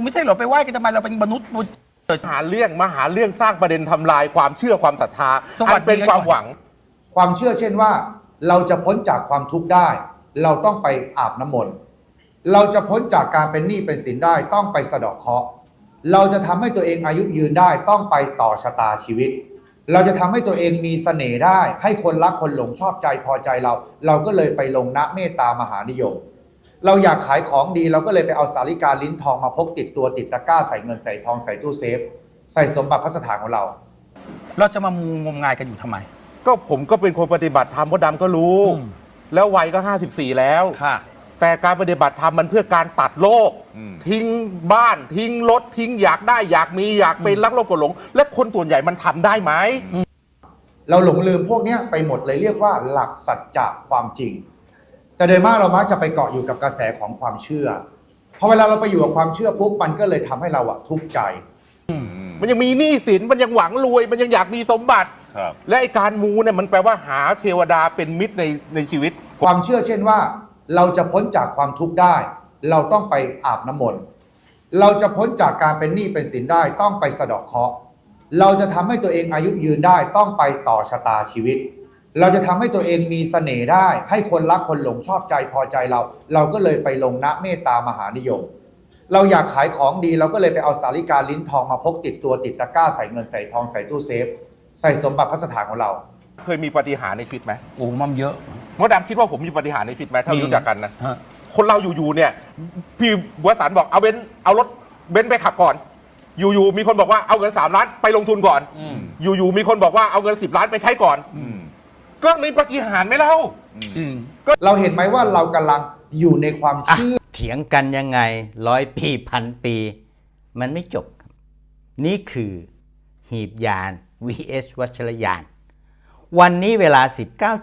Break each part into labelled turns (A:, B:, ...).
A: ไม่ใช่เหรอไปไหว้กันทำไมเราเป็นมนุษย์
B: หาเรื่องมาหาเรื่องสร้างประเด็นทำลายความเชื่อความศรัทธา
A: สวัสดี
B: อันเป็นความหวัง
C: ความเชื่อเช่นว่าเราจะพ้นจากความทุกข์ได้ เราต้องไปอาบน้ำมนต์เราจะพ้นจากการเป็นหนี้เป็นสินได้ต้องไปสะเดาะเคราะห์เราจะทำให้ตัวเองอายุยืนได้ต้องไปต่อชะตาชีวิต เราจะทำให้ตัวเองมีเสน่ห์ได้ให้คนรักคนหลงชอบใจพอใจเราก็เลยไปลงนะเมตตามหานิยม เราอยากขายของดีเราก็เลยไปเอาสาลิกาลิ้นทองมาพกติดตัวติดตะกร้าใส่เงินใส่ทองใส่ตู้เซฟใส่สมบัติพระสถานของเรา
A: เราจะมามูงมงายกันอยู่ทำไม
B: ก็ผมก็เป็นคนปฏิบัติธรรมมดดำก็รู้ แล้ววัยก็54แล้ว
D: ค่ะ
B: แต่การปฏิบัติธรรมมันเพื่อการตัดโลก ทิ้งบ้านทิ้งรถทิ้งอยากได้อยากมีอยากเป็นรักโลกกดหลง และคนส่วนใหญ่มันทำได้ไหม
C: เราหลงลืมพวกเนี้ยไปหมดเลยเรียกว่าหลักสัจจะความจริง แต่โดยมากเรามักจะไปเกาะอยู่กับกระแสของความเชื่อพอเวลาเราไปอยู่กับความเชื่อปุ๊บมันก็เลยทำให้เราทุกข์ใจ
B: มันยังมีหนี้สินมันยังหวังรวย มันยังอยากมีสมบัติ
D: ครับ
B: และไอการมูเนี่ยมันแปลว่าหาเทวดาเป็นมิตรในชีวิต
C: ความเชื่อเช่นว่าเราจะพ้นจากความทุกข์ได้ เราต้องไปอาบน้ำมนต์เราจะพ้นจากการเป็นหนี้เป็นสินได้ต้องไปสะเดาะเคราะห์เราจะทำให้ตัวเองอายุยืนได้ต้องไปต่อชะตาชีวิต เราจะทำให้ตัวเองมีเสน่ห์ได้ให้คนรักคนหลงชอบใจพอใจเราก็เลยไปลงนะเมตตามหานิยม เราอยากขายของดีเราก็เลยไปเอาสาลิกาลิ้นทองมาพกติดตัวติดตะกร้าใส่เงินใส่ทองใส่ตู้เซฟใส่สมบัติพระสถานของเรา
B: เคยมีปาฏิหาริย์ในชีวิตไหม
A: โอ้มันเยอะ
B: มดดำคิดว่าผมมีปาฏิหาริย์ในชีวิตไหมถ้ารู้จักกันนะ
A: ฮะ
B: คนเราอยู่ๆเนี่ยพี่บัวสารบอกเอารถเบนซ์ไปขับก่อน อยู่ๆมีคนบอกว่าเอาเงิน3 ล้านไปลงทุนก่อน อยู่ๆมีคนบอกว่าเอาเงิน10 ล้านไปใช้ก่อนก็มีปาฏิหาริย์ไหมเล่า
C: เราเห็นไหมว่าเรากำลังอยู่ในความเชื่อ
E: เถียงกันยังไง100 ปีพันปี มันไม่จบครับนี่คือหีบยาน vs วัชรยาน วันนี้เวลา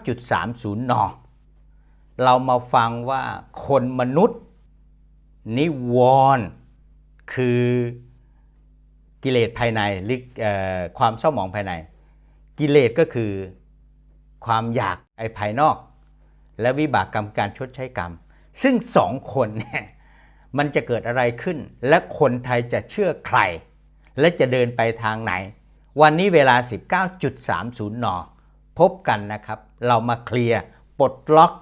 E: 19.30 น. เรามาฟังว่าคนมนุษย์ นิวรณ์คือกิเลสภายในหรือความเศร้าหมองภายใน กิเลสก็คือความอยากภายนอก และวิบากกรรมการชดใช้กรรม ซึ่งสองคนเนี่ยมันจะเกิดอะไรขึ้น และคนไทยจะเชื่อใคร และจะเดินไปทางไหน วันนี้เวลา 19.30 น. พบกันนะครับ เรามาเคลียร์ปลดล็อก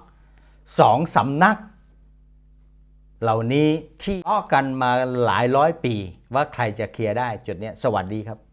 E: 2 สำนัก เหล่านี้ที่อ้อกันมาหลายร้อยปีว่าใครจะเคลียร์ได้จุดนี้สวัสดีครับ